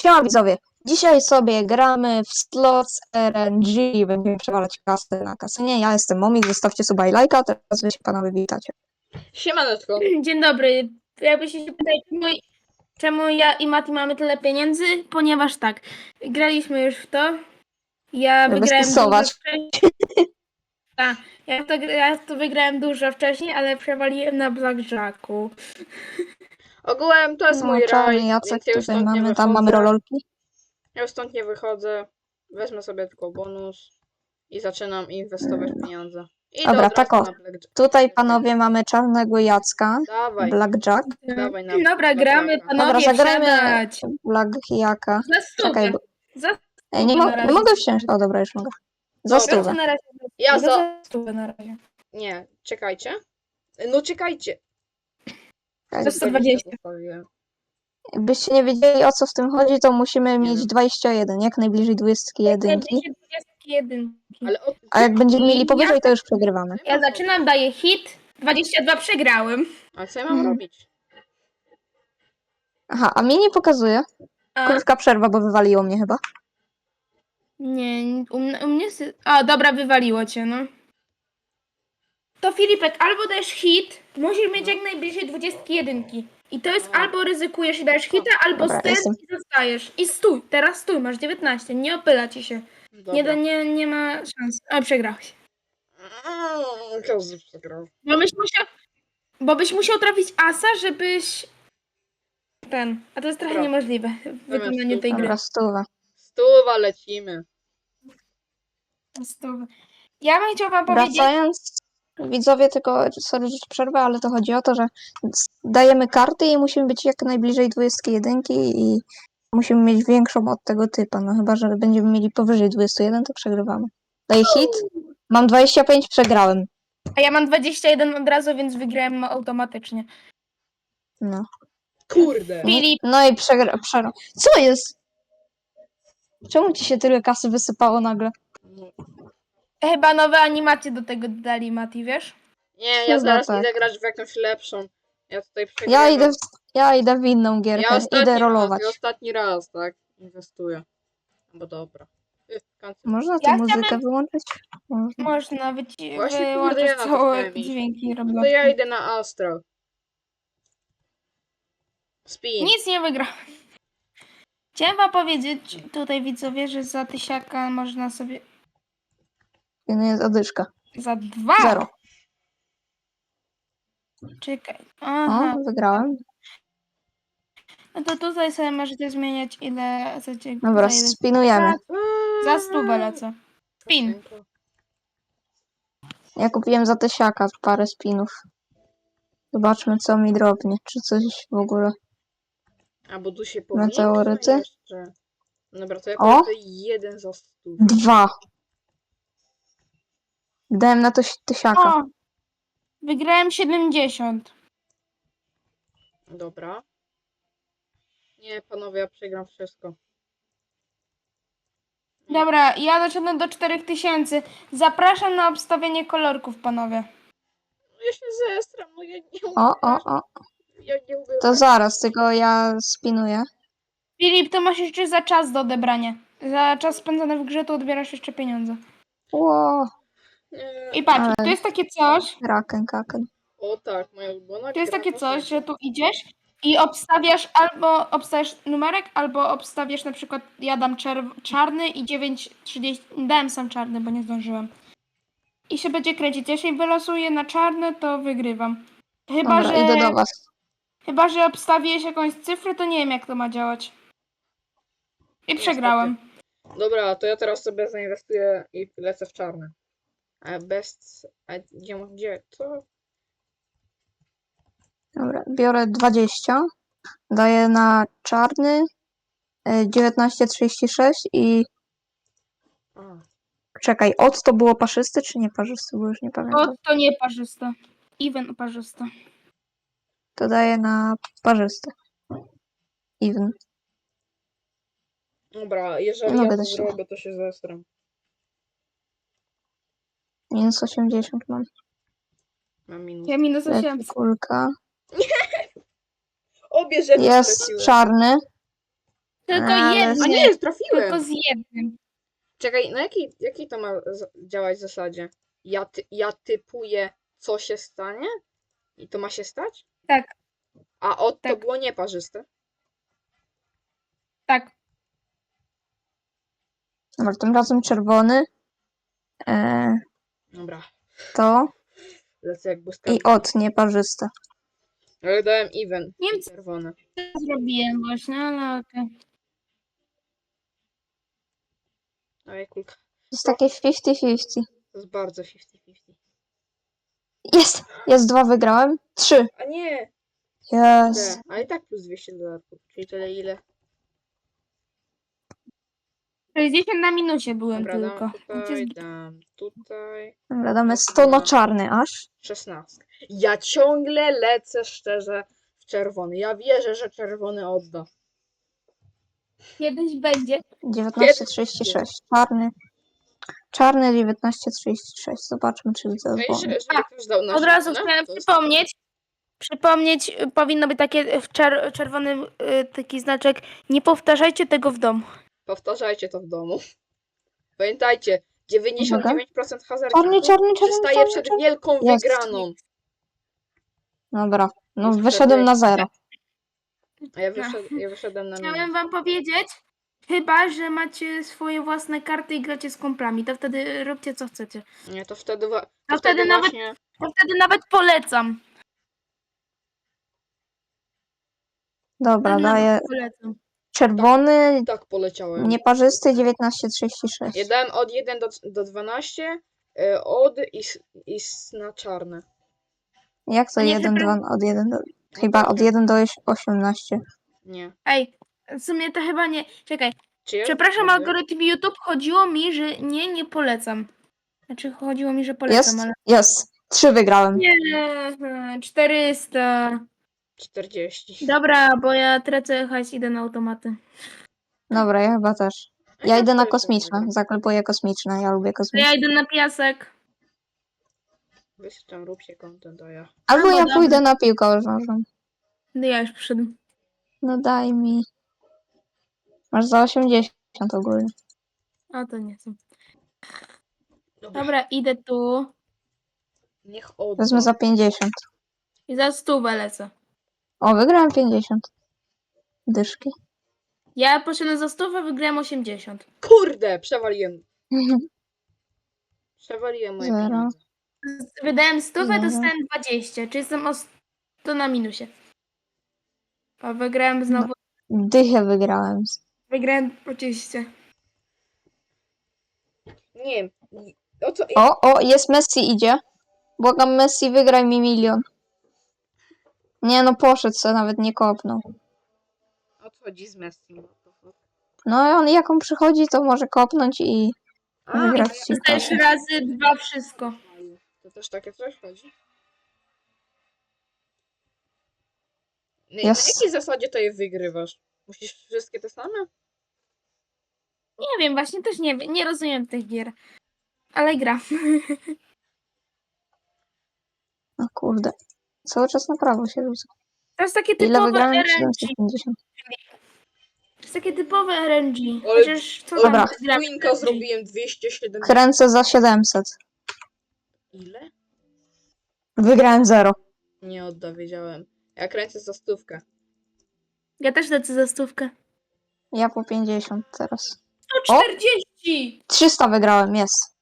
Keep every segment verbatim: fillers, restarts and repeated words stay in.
Siema widzowie, dzisiaj sobie gramy w Slots R N G, będziemy przewalać kasę na kasynie. Ja jestem Momik, zostawcie suba i lajka, teraz wy się panowie witacie. Siemaneczko. Dzień dobry. Jakbyście się pytali, czemu, czemu ja i Mati mamy tyle pieniędzy? Ponieważ tak, graliśmy już w to. Ja Żeby wygrałem dużo stosować. wcześniej. Tak, ja to, ja to wygrałem dużo wcześniej, ale przewaliłem na blackjacku. Ogółem to jest No, mój czarny raj, Jacek więc ja już tutaj stąd nie mamy, tam mamy wychodzę. rololki. Ja już stąd nie wychodzę. Wezmę sobie tylko bonus i zaczynam inwestować pieniądze. I Dobra, do tak o. na blackjack. Tutaj panowie mamy czarnego Jacka, Dawaj, blackjack. dawaj na Dobra, gramy, blackjacka. Dobra, panowie, zagrajmy wsiadać. blackjacka. Za Czekaj, stówę. bo... Za Ej, nie, stówę mo na nie razie. mogę wsiąść. O, dobra, już mogę. Za Dobra. stówę. Na razie Ja za... za... za stówę na razie. Nie, czekajcie. No czekajcie. Za sto dwadzieścia. Zostawiłem. Jakbyście nie wiedzieli, o co w tym chodzi, to musimy Nie mieć wiem. dwadzieścia jeden, jak najbliżej dwudziestki jedynki. dwadzieścia jeden. Ale o... A jak będziemy mieli I powyżej, ja- to już przegrywamy. Ja zaczynam, daję hit. dwadzieścia dwa przegrałem. A co ja mam Mhm. robić? Aha, a mnie nie pokazuje. A, Krótka przerwa, bo wywaliło mnie chyba. nie, u mnie, u mnie... sy- A, dobra, wywaliło cię, no. To Filipek, albo dajesz hit, musisz mieć jak najbliżej dwudziestki jedynki. I to jest A. albo ryzykujesz i dajesz hita, albo Dobra, stand jestem. i zostajesz. I stój, teraz stój, masz dziewiętnaście, nie opyla ci się. Dobra. Nie, da, nie, nie ma szans. A, przegrałeś. Mm, Każdy przegrał. Bo byś musiał, bo byś musiał trafić asa, żebyś... Ten, a to jest trochę Dobra. niemożliwe w wykonaniu tej gry. Dobra, stówę. Stuwa, lecimy. Stój. Ja bym chciał wam powiedzieć... Wracając, widzowie, tylko, sorry, że przerwę, ale to chodzi o to, że dajemy karty i musimy być jak najbliżej dwudziestki jedynki i musimy mieć większą od tego typa. No chyba, że będziemy mieli powyżej dwudziesty jeden, to przegrywamy. Daję hit. Mam dwadzieścia pięć, przegrałem. A ja mam dwadzieścia jeden od razu, więc wygrałem automatycznie. No. Kurde. Filip, No i przegra... przegra... Co jest? Czemu ci się tyle kasy wysypało nagle? No. chyba nowe animacje do tego dodali, Mati, wiesz? Nie, ja Chyba zaraz tak. idę grać w jakąś lepszą. Ja tutaj przegrywam. Ja idę w, ja idę w inną gierkę. Ja ostatni Idę rolować. raz, ja ostatni raz, tak? Inwestuję. No bo dobra. Ty, kancel. Można tę Ja muzykę chciałabym- wyłączyć? Można. Można wyci- Właśnie, kurde, wyłączyć ja na to całe chciałem iść. dźwięki No to Robloxa. ja idę na Astro. Spin. Nic nie wygrałem. Chciałem wam powiedzieć tutaj widzowie, że za tysiaka można sobie... Nie, nie, zadyszka. Za dwa! Zero. Czekaj. Aha. O, wygrałem. No to tutaj sobie możecie zmieniać ile chcecie. Dobra, za ile- spinujemy. Za stówę lecę. Spin. Ja kupiłem za tysiaka parę spinów. Zobaczmy, co mi drobnie. Czy coś w ogóle. A bo tu się powiększa Meteoryty? jeszcze. Dobra, to ja O! kupię jeden za stu. Dwa. Dałem na to tysiaka. O! Wygrałem siedemdziesiąt. Dobra. Nie, panowie, ja przegram wszystko. Dobra, ja doszedłem do czterech tysięcy. Zapraszam na obstawienie kolorków, panowie. Ja się zestram, no ja nie umiem. O, o, o. Ja nie umiem. To zaraz, tylko ja spinuję. Filip, to masz jeszcze za czas do odebrania. Za czas spędzony w grze to odbierasz jeszcze pieniądze. Ło, Nie. I patrz, Ale- tu jest takie coś, raken, kaken. O tak, moja ulubiona tu jest gra takie to coś, FIFA. że tu idziesz i obstawiasz albo obstawiasz numerek, albo obstawiasz na przykład, ja dam czerw- czarny i dziewięć trzydzieści, dałem sam czarny, bo nie zdążyłem. I się będzie kręcić. Jeśli wylosuję na czarne, to wygrywam. Chyba, Dobra, że, idę do was. chyba, że obstawiłeś jakąś cyfrę, to nie wiem, jak to ma działać. I przegrałem. Dobra, to ja teraz sobie zainwestuję i lecę w czarne. A bez... A gdzie, gdzie? Co? Dobra, biorę dwadzieścia. Daję na czarny. e, dziewiętnaście trzydzieści sześć i A, czekaj, od to było parzysty czy nie parzysty, bo już nie O, pamiętam. to nie parzyste. Even parzyste. To daję na parzysty. Even. dobra, jeżeli Nie ja mogę to też się- zrobię, to się zestram. Minus osiemdziesiąt mam. Mam minus. Ja minus Leci osiem. kulka. Obie rzeczy Jest straciłem. czarny. Tylko Ale- A jednym. nie, Tylko trafiłem! z jednym. Czekaj, na jakiej, jakiej to ma z- działać zasadzie? Ja, ty, ja typuję, co się stanie? I to ma się stać? Tak, A od to tak. było nieparzyste. tak. Dobra, tym razem czerwony. E, Dobra, to lecę jak i błyskawica. od nieparzyste. Ale dałem even. Nie wiem, co Czerwone. zrobiłem właśnie, ale okej. Ej, kulka. To jest takie fifty fifty. To jest bardzo fifty fifty. Jest! Jest dwa, wygrałem. Trzy. A nie! Jest. Te, ale i tak plus dwieście dolarów. Czyli tyle ile? sześćdziesiąt na minusie byłem Dobra, tylko. dam Więc tutaj, jest- dam tutaj. Dobra, damy sto na czarny aż. szesnaście. Ja ciągle lecę szczerze w czerwony. Ja wierzę, że czerwony odda. Kiedyś będzie. dziewiętnaście trzydzieści sześć. Czarny. Czarny dziewiętnaście trzydzieści sześć. Zobaczmy, czy No i zadzwoni. że, żeby ktoś dał na Od razu czerwone, chciałem to jest- przypomnieć. Przypomnieć y, powinno być takie w czer czerwonym y, taki znaczek. Nie powtarzajcie tego w domu. Powtarzajcie to w domu. Pamiętajcie, dziewięćdziesiąt dziewięć procent Czarny, hazardzików czarny, czarny, przystaje czarny, przed czarny. wielką Jest. wygraną. Dobra. No Już wyszedłem na czterdzieści. zero. A ja, wyszed, ja wyszedłem na Chciałem minus. wam powiedzieć, chyba że macie swoje własne karty i gracie z kumplami, to wtedy róbcie co chcecie. Nie, to wtedy, wa- to A wtedy wtedy nawet- właśnie... To wtedy nawet polecam. Dobra, Wtedy daję nawet polecam. czerwony, Tak poleciałem. nieparzysty dziewiętnaście trzydzieści sześć. Ja dałem od jeden do, do dwunastu, y, od i, s- i s- na czarne. Jak to Nie, jeden, przepraszam. dwa, od jeden do... Chyba od Nie. jeden do osiemnastu. Nie. Ej, w sumie to chyba nie. Czekaj, Czy ja przepraszam, widzę? algorytm YouTube, chodziło mi, że nie, nie polecam. Znaczy chodziło mi, że polecam, Jest? ale... Jest. Trzy wygrałem. Nie, czterysta. czterdzieści. Dobra, bo ja tracę hajs, idę na automaty. Dobra, ja chyba też. A Ja tak idę na to kosmiczne. wygram. Zaklepuję kosmiczne. Ja lubię To kosmiczne. ja idę na piasek. Wy się tam róbcie content, a ja... Albo Albo ja dobra. pójdę na piłkę nożną. No ja już przyszedłem. No daj mi. Masz za osiemdziesiąt ogólnie. A to nie są. Dobra, Dobra, idę tu niech odda. Wezmę za pięćdziesiąt. i za stówę lecę. O, wygrałem pięćdziesiąt. Dyszki. Ja poszedłem za stówę, wygrałem osiemdziesiąt. Kurde, przewaliłem. Przewaliłem moje Zero. pieniądze. Wydałem stówę, Zero. dostałem dwadzieścia, czyli jestem o sto na minusie. A wygrałem znowu. Dychę wygrałem. Wygrałem dwadzieścia. Nie wiem. O co... O, o, jest Messi idzie. Błagam Messi, wygraj mi milion. Nie no, poszedł co nawet nie kopnął. O co chodzi z Messi? What the fuck? No i on jak on przychodzi, to może kopnąć i A, wygrać a ja- ci Dostajesz kasę. razy dwa wszystko. To też takie coś chodzi? Na, Jest. na jakiej zasadzie to je wygrywasz? Musisz wszystkie te same? Nie wiem, właśnie też nie wiem, nie rozumiem tych gier. Ale gra. No kurde. Cały czas na prawo się rzuca. To jest takie Ile typowe wygrałem? R N G. siedemset pięćdziesiąt. To jest takie typowe R N G. Ale- Chociaż co Dobra. tam gra w Twinka R N G? zrobiłem dwieście siedemdziesiąt. Kręcę za siedemset. Ile? Wygrałem zero. Nie odda, wiedziałem. Ja kręcę za stówkę. Ja też lecę za stówkę. Ja po pięćdziesiąt teraz. sto czterdzieści! trzysta wygrałem, jest.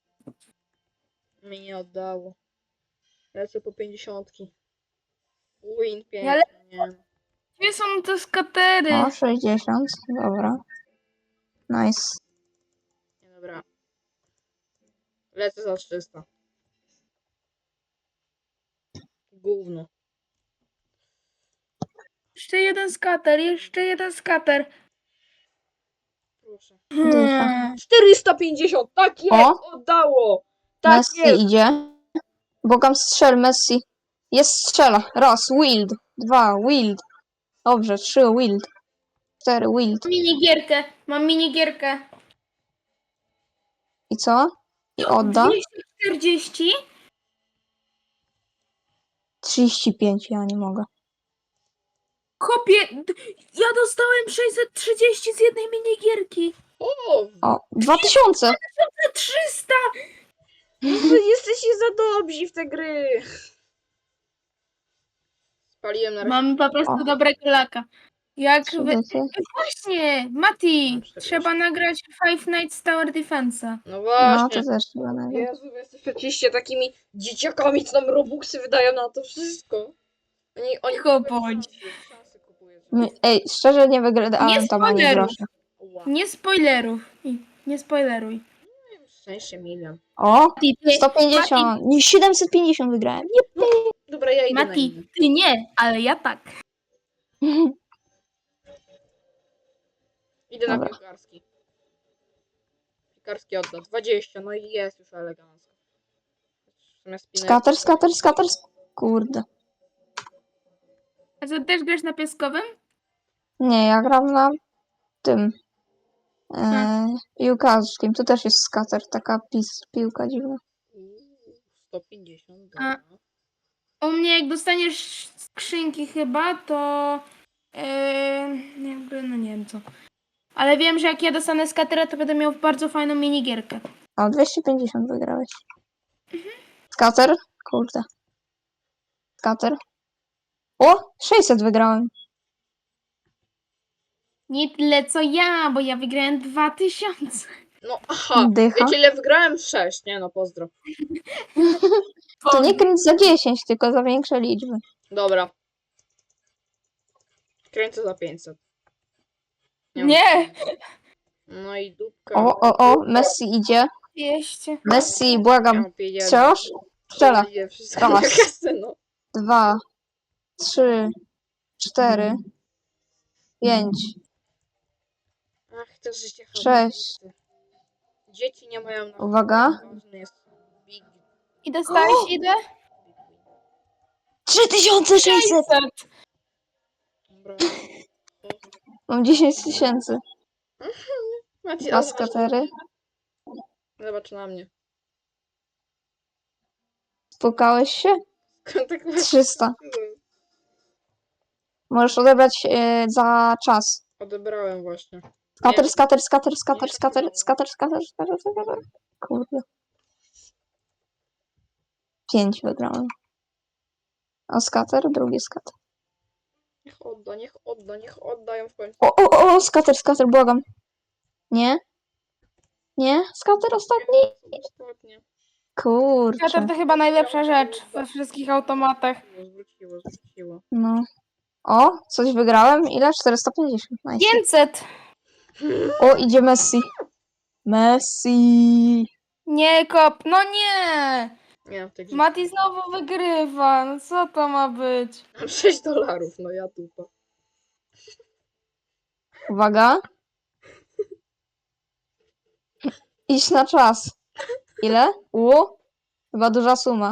Mi nie oddało. Lecę po pięćdziesiątki. Win pięknie. Ale- nie. Gdzie są te skatery? O, sześćdziesiąt. Dobra. Nice. Nie, dobra. Lecę za trzysta. Gówno. Jeszcze jeden skater, jeszcze jeden skater. Proszę. Dycha. czterysta pięćdziesiąt! Tak jest! O! Oddało! Tak Messi jest! idzie. Bogam strzel, Messi. Jest strzela. Raz, Wild. Dwa, Wild. Dobrze, trzy, Wild. Cztery, Wild. Mam minigierkę, mam minigierkę. I co? I odda? dwieście czterdzieści? trzydzieści pięć, ja nie mogę. Chłopie, d- ja dostałem sześćset trzydzieści z jednej minigierki. O, O, dwa tysiące! trzysta! no wy jesteście za dobrzy w te gry. Spaliłem na razie. Mamy po prostu O. dobrego laka. Jak Trzy wy... dychy. Właśnie, Mati, Mam czterdzieści. trzeba nagrać Five Nights Tower Defense'a. No No, właśnie. to też chyba nawet. Jezu, wy jesteście takimi dzieciakami, co nam robuxy wydają na to wszystko. Oni, oni Cicho kupują bądź. szansy, szansy kupują. My- Ej, szczerze nie wygrałem Nie tam ani spoilerów. grosza. Ła. Nie spoilerów. I Nie spoileruj. Szczęście milion. O, Mati, ty, sto pięćdziesiąt, nie, siedemset pięćdziesiąt wygrałem. Dobra, ja idę na Mati, inny. ty nie, ale ja tak. Jep. Idę na Dobra. piłkarski. Piłkarski odda. dwadzieścia, no i jest już elegancko. Zamiast spinać- Skater, skater, skater, sk- kurde. A co, też grasz na piaskowym? Nie, ja gram na tym. E, Hmm. piłkarskim. Tu też jest skater, taka pis, piłka dziwna. Uuu, sto pięćdziesiąt, A. dobra. U mnie jak dostaniesz skrzynki chyba, to yy, jakby, no nie wiem co. Ale wiem, że jak ja dostanę skatera, to będę miał bardzo fajną minigierkę. O, dwieście pięćdziesiąt wygrałeś. Skater? Kurde. Skater. O, sześćset wygrałem. Nie tyle co ja, bo ja wygrałem dwa tysiące. No aha, Dycha. wiecie ile wygrałem? sześć, nie no, pozdro. To nie kręć za dziesięć, tylko za większe liczby. Dobra. Kręcę za pięćset. mam Nie. pieniędzy. No i dupka. O, o, o, Messi idzie. dwieście. Messi, Ja błagam. mam pieniędzy. Strzelasz? Strzela. Idzie wszystko na Raz. kasę, no. Dwa, trzy, cztery, pięć. Ach, to życie chodzi. Sześć. Dzieci nie mają na Uwaga. ważny jest big, I dostałeś ile? big win. trzy tysiące sześćset! Dobra. Mam dziesięć tysięcy. Macie, Dwa skatery. Zobacz na mnie. Spukałeś się? Tak właśnie trzysta. zrobiłem. Możesz odebrać e, za czas. Odebrałem właśnie. Skater, Nie. skater, skater, skater, skater, skater, skater, skater, skater. Kurde. Pięć wygrałem. A skater, drugi skater. Niech odda, niech odda, niech oddają w końcu. O, o, o, o, skater, skater, błagam. Nie? Nie? Skater ostatni? Ostatnie. Kurczę. Skater to chyba najlepsza rzecz we wszystkich automatach. Zwróciło, zwróciło. No. O, coś wygrałem. Ile? czterysta pięćdziesiąt. Nice. pięćset. O, idzie Messi. Messi. Nie kop, no nie! Nie mam tej grze. Mati znowu wygrywa, no co to ma być? Mam sześć dolarów, no ja dupa. Uwaga. Idź na czas. Ile? U? Chyba duża suma.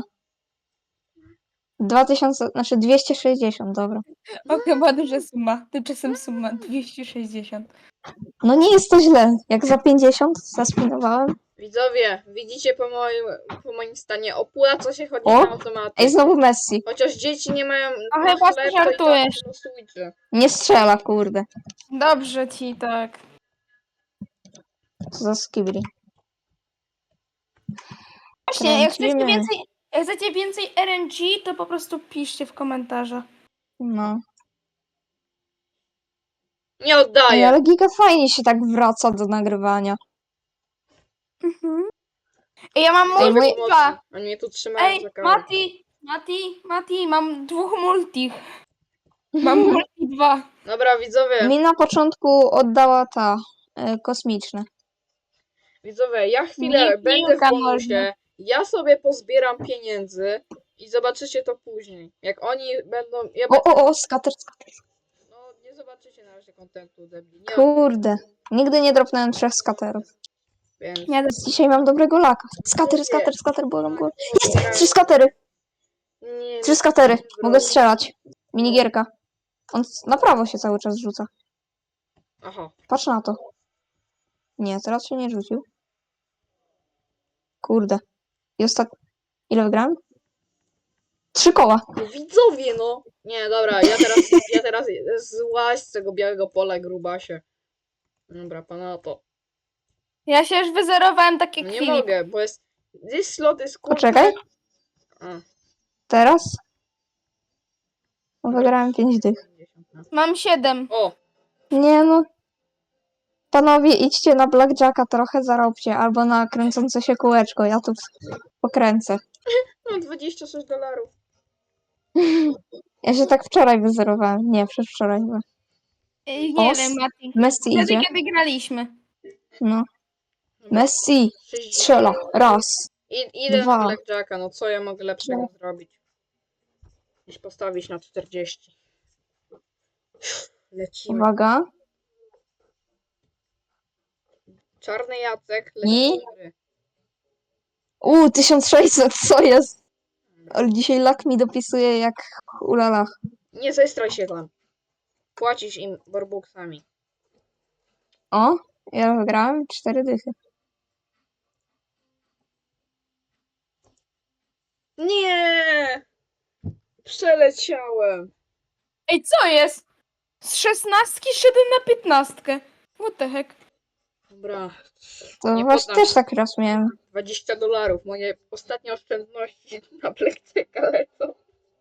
dwa tysiące, znaczy dwieście sześćdziesiąt, dobra. O, chyba duża suma. Tymczasem suma dwieście sześćdziesiąt. No nie jest to źle. Jak za pięćdziesiąt zaspinowałem. Widzowie, widzicie po moim, po moim stanie, opłaca się chodzić O! na automaty. Ej, znowu Messi. Chociaż dzieci nie mają A na chyba chleb, to i tak żartujesz. losujcie. Nie strzela, kurde. Dobrze ci tak. Co za skibri. Właśnie, jak chcecie Kręcimy. więcej, jak chcecie więcej R N G, to po prostu piszcie w komentarzach. No. Nie Ej, oddaję. ale giga fajnie się tak wraca do nagrywania. Mhm. Ej, ja mam Ej, multi moi- dwa. Oni mnie tu trzymają Ej, za karę. Mati, Mati, Mati, mam dwóch multi. Mam multi dwa. Dobra, widzowie, Mi na początku oddała ta e, kosmiczne. widzowie, ja chwilę Nie będę w piłka bonusie. nożna. Ja sobie pozbieram pieniędzy i zobaczycie to później. Jak oni będą... Ja O, będę, o, o, skater, skater. no, nie zobaczycie na razie kontentu, debli. Nie, Kurde. Nigdy nie dropnąłem trzech skaterów. więc... Nie, Dzisiaj mam dobrego laka. Skater, skater, skater, błagam go. Jest! Trzy skatery! Nie, Trzy skatery. nie Mogę zrobię. strzelać. Minigierka. On na prawo się cały czas rzuca. Aha. Patrz na to. Nie, teraz się nie rzucił. Kurde. I ostat... Ile wygrałem? Trzy koła. No widzowie, no! Nie, dobra, ja teraz, ja teraz złaź z tego białego pola, grubasie. Dobra, pana to. Ja się już wyzerowałem tak jak No nie Filip. mogę, bo jest... This slot is kurde... Poczekaj. A, Teraz? Wygrałem pięć dych. Mam siedem. O! Nie no. Panowie, idźcie na blackjacka trochę zarobcie, albo na kręcące się kółeczko. Ja tu pokręcę. Mam dwadzieścia sześć dolarów. Ja się tak wczoraj wyzerowałem. Nie, przedwczoraj chyba. Ej, Nie Os? wiem, Mati. Messi Wtedy, idzie. kiedy graliśmy. No. Dobra, Messi sześćdziesiąt. strzela. Raz. I, idę na Dwa. blackjacka, no co ja mogę lepszego Trzy. zrobić? Niż postawić na czterdzieści. Lecimy. Uwaga. Czarny Jacek, I? lecimy do gry. U, tysiąc sześćset, co jest? Ale dzisiaj lak mi dopisuje jak ulala. Nie zestraj się tam. Płacisz im borbuksami. O, ja wygrałem cztery dychy. Nie! Przeleciałem. Ej, co jest? Z szesnastki szedłem na piętnastkę. What the heck? Dobra. To Nie właśnie poddam też się. tak raz miałem. dwadzieścia dolarów. Moje ostatnie oszczędności na blackjacka lecą.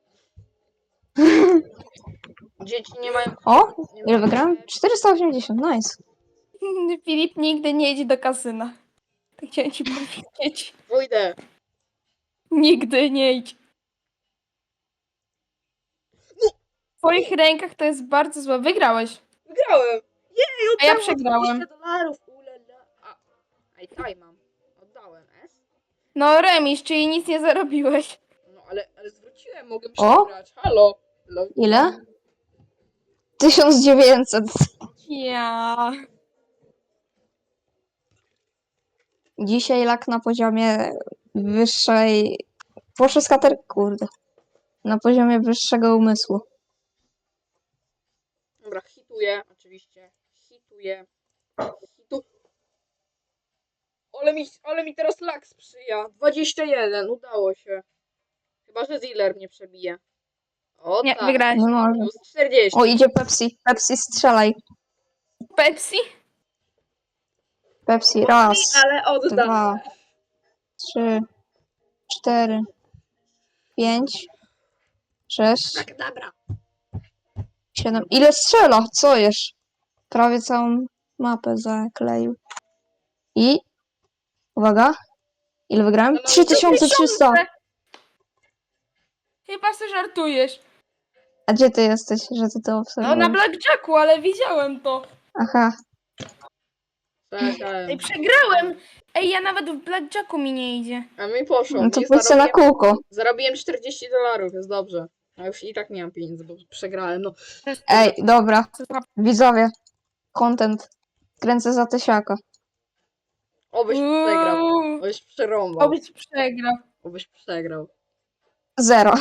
Dzieci nie mają... O, Nie ile mają wygrałem? czterysta osiemdziesiąt, nice. Filip nigdy nie idź do kasyna. Tak chciałem ci powiedzieć. Pójdę. Nigdy nie idź. W twoich rękach to jest bardzo złe. Wygrałeś. Wygrałem. Jej, A ja oddałem przegrałem. dwadzieścia dolarów. Ulala. A, a i taj mam. Oddałem, S? No remis, czyli nic nie zarobiłeś. No ale, ale zwróciłem, mogę O! przegrać. Halo. Lo- Ile? tysiąc dziewięćset. Ja. Dzisiaj lak na poziomie wyższej... Proszę skater... Kurde. Na poziomie wyższego umysłu. Dobra, hituję, oczywiście. Hituję. Hitu... Ale mi, ale mi teraz lak sprzyja. dwadzieścia jeden, udało się. Chyba, że Ziller mnie przebije. O Nie, tak. wygrałeś. Nie może. Plus czterdzieści. O, idzie Pepsi. Pepsi, strzelaj. Pepsi? Pepsi, raz, Ale oddam. dwa, trzy, cztery, pięć, sześć, Tak, dobra. siedem. Ile strzela? Co jest? Prawie całą mapę zakleił. I... Uwaga. Ile wygrałem? No, no, trzy tysiące trzysta. Chyba sobie żartujesz. A gdzie ty jesteś, że ty to No na obserwujesz? blackjacku, ale widziałem to. Aha. Czekałem. Ej, przegrałem! Ej, ja nawet w blackjacku mi nie idzie. A mi poszło. No to mi pójdź sobie na zarobiłem, kółko. zarobiłem czterdzieści dolarów, jest dobrze. A już i tak nie mam pieniędzy, bo przegrałem. No, Ej, dobra. Widzowie. Content. Kręcę za tysiaka. obyś przegrał. Uuu, Obyś przerąbał. Obyś przegrał. Obyś przegrał. Zero.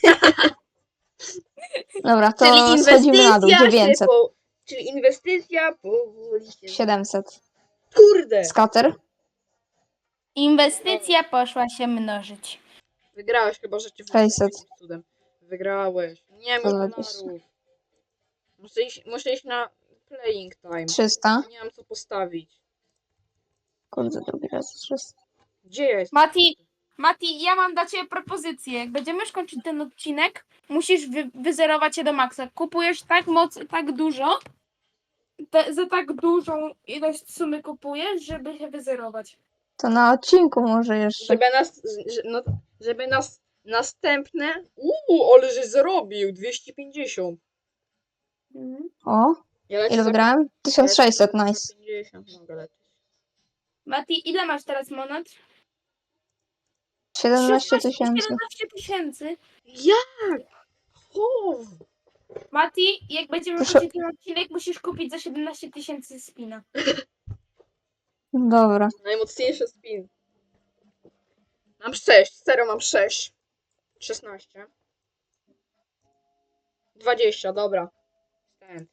Dobra, to Czyli schodzimy na dół. inwestycja się dziewięćset. po... Czyli inwestycja powoli się... siedemset. Kurde! Skater. Inwestycja poszła się mnożyć. Wygrałeś chyba, że cię sześćset. jakimś cudem. Wygrałeś. Nie sto mam dwadzieścia. dolarów. Muszę iść, muszę iść na playing time. trzysta. Nie mam co postawić. Kurde, drugi raz trzysta. Gdzie jest? Mati, Mati, ja mam dla ciebie propozycję. Jak będziemy już kończyć ten odcinek, musisz wy, wyzerować się do maksa. Kupujesz tak moc, tak dużo, te, za tak dużą ilość sumy kupujesz, żeby się wyzerować. To na odcinku może jeszcze. Żeby nas... że- No, żeby nas... Następne... Uuu, ale że zarobił! dwieście pięćdziesiąt. Mhm. O, Ja lecę ile za- wygrałem? tysiąc sześćset, ja lecę za nice. pięćdziesiąt mogę lecieć. Mati, ile masz teraz monet? siedemnaście tysięcy. siedemnaście tysięcy. Jak? Chow! Mati, jak będziemy Proszę- kończyć ten odcinek, musisz kupić za siedemnaście tysięcy spina. Dobra. Najmocniejszy spin. Mam sześć, serio mam sześć. szesnaście. dwadzieścia, dobra. Stand.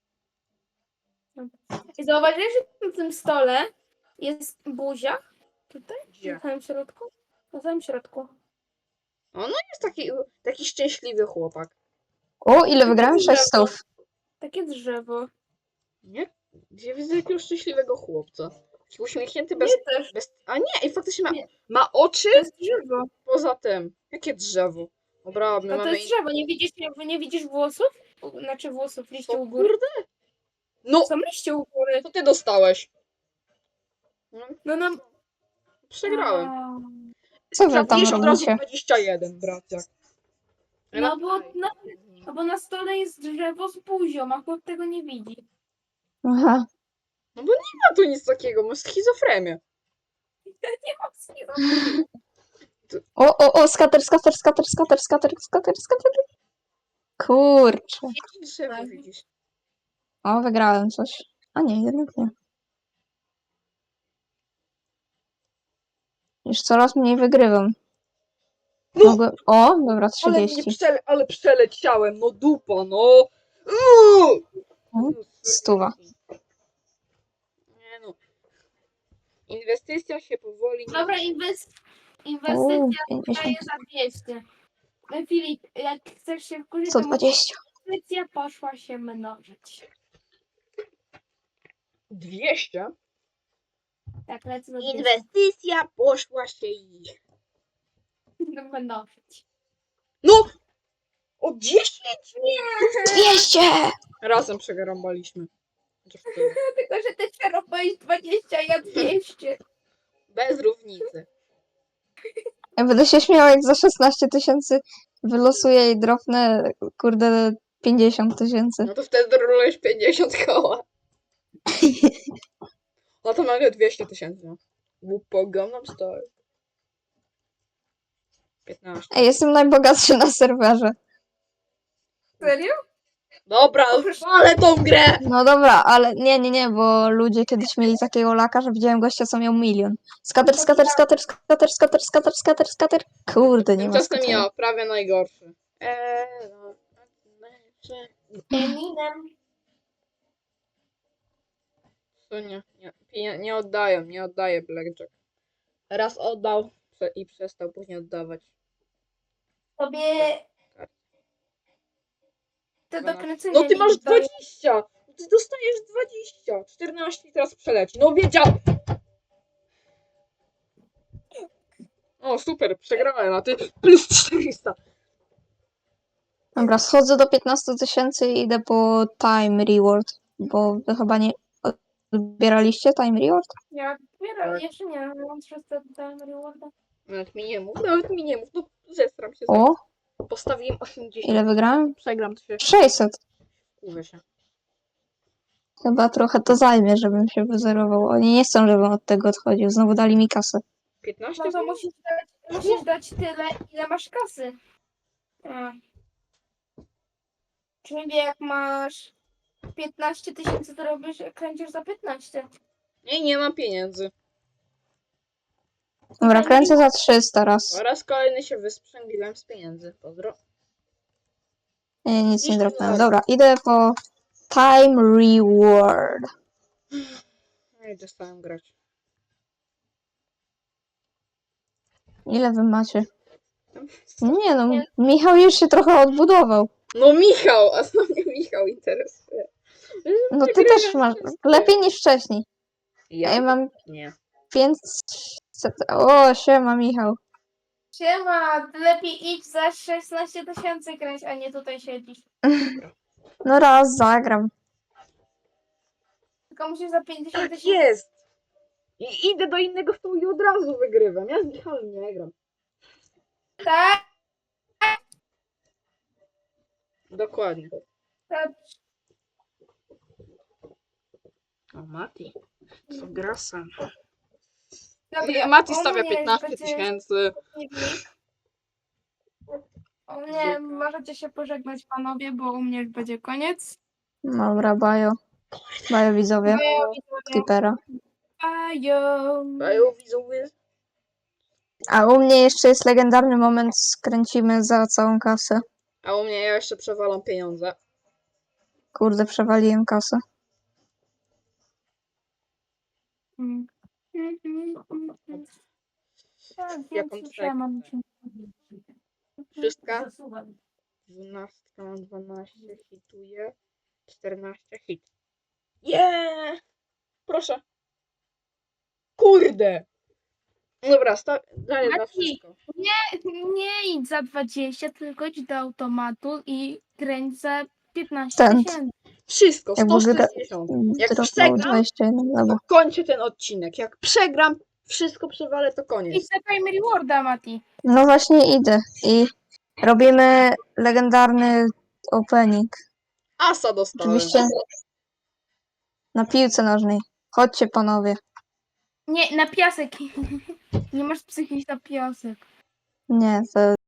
I zauważyłeś, że na tym stole jest buzia? Tutaj? Gdzie? Na samym środku? Na samym środku. O, no jest taki, taki szczęśliwy chłopak. O, ile wygrałem? Takie sześć drzewo. stów. Takie drzewo. Nie? Ja widzę jakiegoś szczęśliwego chłopca. Taki uśmiechnięty bez... Nie też. bez... A nie, i faktycznie ma, Nie. ma oczy To jest drzewo. poza tym. Jakie drzewo? Dobra, my No to mamy... jest drzewo. Nie widzisz, nie, nie widzisz włosów? U- Znaczy włosów, liście Co, u góry. kurde? No, Są liście u góry. co ty dostałeś? No, No no. przegrałem. A, Co wy tam Trafiłeś od razu robicie? dwadzieścia jeden, braciak. No bo na, no bo na stole jest drzewo z buzią, a chłop tego nie widzi. Aha. No bo nie ma tu nic takiego, masz schizofrenię. Nie mam schizofrenii. O, o, o, skater, skater, skater, skater, skater, skater, skater. Kurczę. Tu drzewo Tak. widzisz. O, wygrałem coś. A nie, jednak nie. Już coraz mniej wygrywam. No, Mogłem... O, dobra, ale mnie trzydzieści. przele... ale przeleciałem, no dupa, no. Uuu! O, Stuwa. Nie no. Inwestycja się powoli nie... Dobra, inwest... O, inwestycja daje pięćdziesiąt. za dwieście. No Filip, jak chcesz się wkurzyć, sto to dwadzieścia. inwestycja poszła się mnożyć. dwieście? Tak, lecę na dwieście. Inwestycja poszła się i... No, mnożyć. No! O dziesięć? dwieście! Razem przegarąbaliśmy. Chociaż tyle. Tylko, że ty czerpałeś dwadzieścia, ja dwieście. Bez różnicy. Ja będę się śmiała, jak za szesnaście tysięcy wylosuję i dropnę, kurde, pięćdziesiąt tysięcy. No to wtedy rolujesz pięćdziesiąt koła. No to nagle dwieście tysięcy. Łupo Gangnam Style. piętnaście. Ej, jestem najbogatszy na serwerze. Serio? Dobra, ale tą grę! No dobra, ale nie, nie, nie, bo ludzie kiedyś mieli takiego laka, że widziałem gościa, co miał milion. Skater, skater, skater, skater, skater, skater, skater, skater. Kurde, nie ma Tymczasem skatera. ja, prawie najgorszy. Eee, no, Eminem. to nie, nie, nie, nie oddaję, nie oddaję Blackjack. Raz oddał prze- i przestał później oddawać. Tobie to dwanaście. dokręcenie No ty mi masz daje. dwadzieścia! Ty dostajesz dwadzieścia! czternaście i teraz przeleci. No wiedział! O, super, przegrałem, a ty plus czterysta. Dobra, schodzę do piętnastu tysięcy i idę po time reward, bo wy chyba nie odbieraliście time reward? Ja odbieram, Tak. jeszcze nie, mam trzysta tam rewarda. Nawet mi nie mów, nawet mi nie mów, no zestram się. O, Postawiłem osiemdziesiąt. ile wygrałem? Przegram, to się sześćset. kurwę się. Chyba trochę to zajmie, żebym się wyzerował. Oni nie chcą, żebym od tego odchodził. Znowu dali mi kasę. piętnaście? No to musisz dać, musisz dać tyle, ile masz kasy. A. Czyli jak masz piętnaście tysięcy, to robisz, kręcisz za piętnaście. Nie, nie mam pieniędzy. Dobra, kręcę za trzysta raz. Oraz kolejny się wysprzęgliłem z pieniędzy. Pozdro. Nie, nic nie Iść dropnąłem. dalej. Dobra, idę po time reward. No i dostałem grać. Ile wy macie? Nie no, Michał już się trochę odbudował. No Michał, a co mnie Michał interesuje? No ty też masz lepiej niż wcześniej. Ja? Ja mam Nie. pięćset. O, siema Michał. Siema, lepiej idź za szesnaście tysięcy kręć, a nie tutaj siedzisz. No raz zagram. Tylko musisz za pięćdziesiąt Tak tysięcy. jest! I idę do innego stołu i od razu wygrywam. Ja z Michałem nie gram. Tak, Dokładnie. tak. O, Mati. Co gra sam. Dobra, Mati u stawia mnie piętnaście będzie- tysięcy. U mnie możecie się pożegnać panowie, bo u mnie już będzie koniec. Dobra, bajo. Bajo widzowie. Skipera. Bajo. Bają widzowie. A u mnie jeszcze jest legendarny moment. Skręcimy za całą kasę. A u mnie ja jeszcze przewalam pieniądze. Kurde, przewaliłem kasę. Mm. Mm, mm, mm, mm. Tak, Jaką więc już ja mam trekę? Szóstka. Dwunastka, mam dwanaście, hituję. Czternaście, hit. Yeah! Proszę. Kurde! Dobra, sta- daję na Mati. wszystko. Nie idź za dwadzieścia, tylko idź do automatu i kręć za piętnaście Cent. tysięcy. Wszystko, Jakby sto wygra... sześćdziesiąt. Jak dropnął przegram, dwadzieścia jeden to lewo. kończę ten odcinek. Jak przegram, wszystko przewalę, to Idź koniec. za Time Rewarda, Mati. No właśnie idę i robimy legendarny opening. Asa dostałem. Oczywiście na piłce nożnej. Chodźcie panowie. Nie, na piasek. Nie masz psychić na piasek. Nie, to